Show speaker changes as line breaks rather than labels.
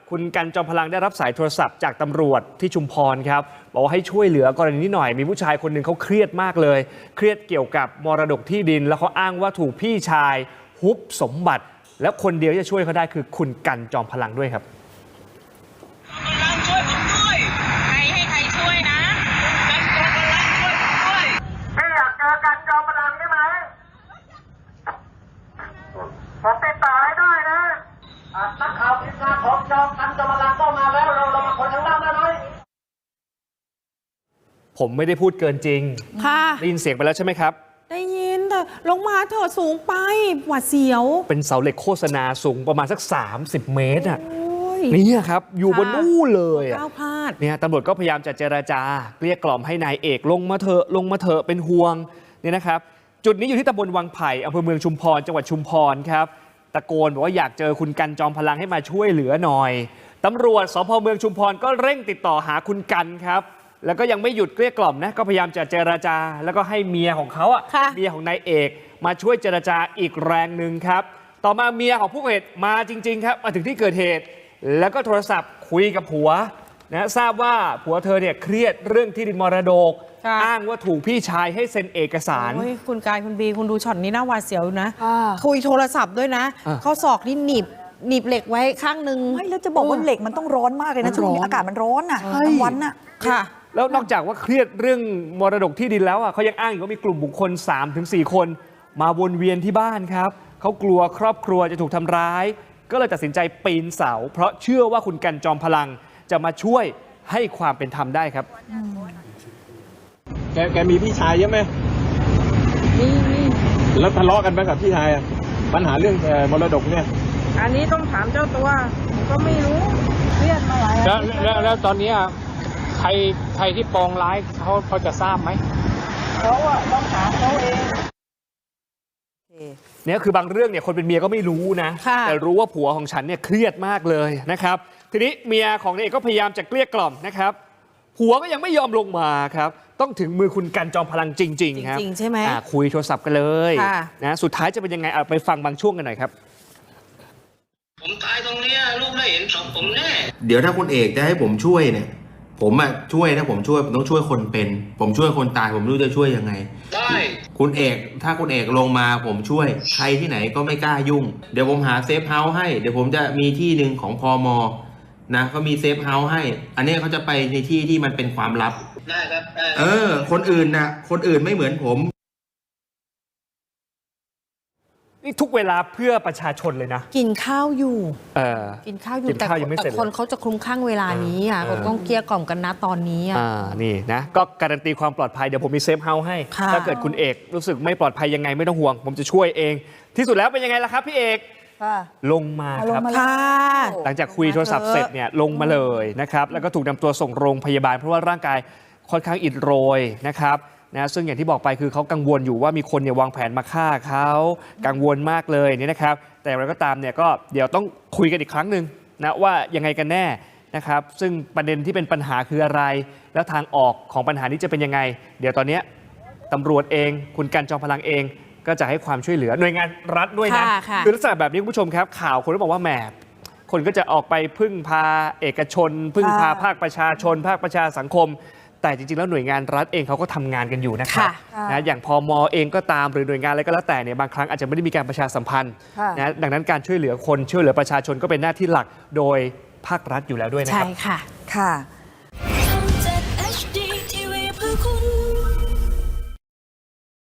คุณกันจอมพลังได้รับสายโทรศัพท์จากตำรวจที่ชุมพรครับบอกว่าให้ช่วยเหลือกรณีนี้หน่อยมีผู้ชายคนหนึ่งเขาเครียดมากเลยเครียดเกี่ยวกับมรดกที่ดินแล้วเขาอ้างว่าถูกพี่ชายฮุบสมบัติแล้วคนเดียวที่จะช่วยเขาได้คือคุณกันจอมพลังด้วยครับ
ช่วยผมด้วยให้ใครช่วยนะกันจอมพลังช่วยผมด้วย
พี่อยากเจอกันจอมพลังได้ไหมผมติดต่อให้ได้นะนักข่าวทีมงานของกันจอมพลังก็มาแล้วเรามาคนข้างล่างได้ไหม
ผมไม่ได้พูดเกินจริง
ค่ะ
ได้ยินเสียงไปแล้วใช่ไหมครับ
ได้ยินแต่ลงมาเถอะสูงไปหวาดเสียว
เป็นเสาเหล็กโฆษณาสูงประมาณสัก30 เมตรอ่ะนี่ครับอยู่บนนู่นเลย
ก้าวพลาด
เนี่ยตำรวจก็พยายามจะเจรจาเกลี้ยกล่อมให้นายเอกลงมาเถอะเป็นห่วงเนี่ยนะครับจุดนี้อยู่ที่ตำบลวังไผ่อำเภอเมืองชุมพรจังหวัดชุมพรครับตะโกนบอกว่าอยากเจอคุณกันจอมพลังให้มาช่วยเหลือหน่อยตำรวจสภ.เมืองชุมพรก็เร่งติดต่อหาคุณกันครับแล้วก็ยังไม่หยุดเกลี้ยกล่อมนะก็พยายามจะเจรจาแล้วก็ให้เมียของเขาเมียของนายเอกมาช่วยเจรจาอีกแรงหนึ่งครับต่อมาเมียของผู้ก่อเหตุมาจริงๆครับมาถึงที่เกิดเหตุแล้วก็โทรศัพท์คุยกับผัวนะทราบว่าผัวเธอเนี่ยเครียดเรื่องที่ดินมรดกอ้างว่าถูกพี่ชายให้เซ็นเอกสาร
คุณกายคุณบีคุณดูช็อตนี้น่าหวาดเสียวนะคุยโทรศัพท์ด้วยนะเขาศอกนี่หนีบเหล็กไว้ข้างนึง
ไม่แล้วจะบอกว่าเหล็กมันต้องร้อนมากเลยนะช่วงนี้อากาศมันร้อนอ่ะทั้งวันน่ะ
ค่ะ
แล้วนอกจากว่าเครียดเรื่องมรดกที่ดินแล้วเขายังอ้างอีกว่ามีกลุ่มบุคคล 3-4 คนมาวนเวียนที่บ้านครับเขากลัวครอบครัวจะถูกทำร้ายก็เลยตัดสินใจปีนเสาเพราะเชื่อว่าคุณกันจอมพลังจะมาช่วยให้ความเป็นธรรมได้ครับ
แกมีพี่ชายเยอะไหม
มี
แล้วทะเลาะกันไหมกับพี่ชายปัญหาเรื่องมรดกเนี่ย
อันนี้ต้องถามเจ้าตัวก็ไม่รู้เครียดมาหลาย
แล้วตอนนี้ใครที่ปองร้ายเขาพอจะทราบไหม
เขาต้องถามเขาเอง
เนี่ยคือบางเรื่องเนี่ยคนเป็นเมียก็ไม่รู้นะแต่รู้ว่าผัวของฉันเนี่ยเครียดมากเลยนะครับทีนี้เมียของนายเอกก็พยายามจะเกลี้ยกล่อมนะครับผัวก็ยังไม่ยอมลงมาครับต้องถึงมือคุณกันจอมพลังจริงๆครับ
จริงใช่ไหม
คุยโทรศัพท์กันเลยนะสุดท้ายจะเป็นยังไงไปฟังบางช่วงกันหน่อยครับ
ผมตายตรงนี้ลูกได้เห็นศพผมแน่
เดี๋ยวถ้าคุณเอกจะให้ผมช่วยเนี่ยผมช่วยนะผมต้องช่วยคนเป็นผมช่วยคนตายผมไม่รู้จะช่วยยังไง
ได้
คุณเอกถ้าคุณเอกลงมาผมช่วยใครที่ไหนก็ไม่กล้ายุ่งเดี๋ยวผมหาเซฟเฮาส์ให้เดี๋ยวผมจะมีที่หนึ่งของพม.นะเขามีเซฟเฮาส์ให้อันนี้เขาจะไปในที่ที่มันเป็นความลับ
ได้ครับ
คนอื่นไม่เหมือนผม
นี่ทุกเวลาเพื่อประชาชนเลยนะ
กินข้าวอยู่กินข้าวอยู่แต่คนเขาจะคลุ้มคลั่งเวลานี้ต้องเกลี้ยกล่อมกันนะตอนนี้
นี่นะก็การันตีความปลอดภัยเดี๋ยวผมมีเซฟเฮาส์ให้ถ้าเกิดคุณเอกรู้สึกไม่ปลอดภัยยังไงไม่ต้องห่วงผมจะช่วยเองที่สุดแล้วเป็นยังไงล่ะครับพี่เอกลงมาครับหลังจากคุยโทรศัพท์เสร็จเนี่ยลงมาเลยนะครับแล้วก็ถูกนำตัวส่งโรงพยาบาลเพราะว่าร่างกายค่อนข้างอิดโรยนะครับนะซึ่งอย่างที่บอกไปคือเขากังวลอยู่ว่ามีคนวางแผนมาฆ่าเขากังวลมากเลยนี่นะครับแต่อะไรก็ตามเนี่ยก็เดี๋ยวต้องคุยกันอีกครั้งหนึ่งนะว่ายังไงกันแน่นะครับซึ่งประเด็นที่เป็นปัญหาคืออะไรแล้วทางออกของปัญหานี้จะเป็นยังไงเดี๋ยวตอนนี้ตำรวจเองคุณกันจอมพลังเองก็จะให้ความช่วยเหลือหน่วยงานรัฐด้วยนะคือลักษณะแบบนี้คุณผู้ชมครับข่าวคนก็บอกว่าแหมคนก็จะออกไปพึ่งพาเอกชนพึ่งพาภาคประชาชนภาคประชาสังคมแต่จริงๆแล้วหน่วยงานรัฐเองเขาก็ทำงานกันอยู่นะครับนะอย่างพม.เองก็ตามหรือหน่วยงานอะไรก็แล้วแต่เนี่ยบางครั้งอาจจะไม่ได้มีการประชาสัมพันธ์นะดังนั้นการช่วยเหลือคนช่วยเหลือประชาชนก็เป็นหน้าที่หลักโดยภาครัฐอยู่แล้วด้วยนะครับ
ใช่ค่ะ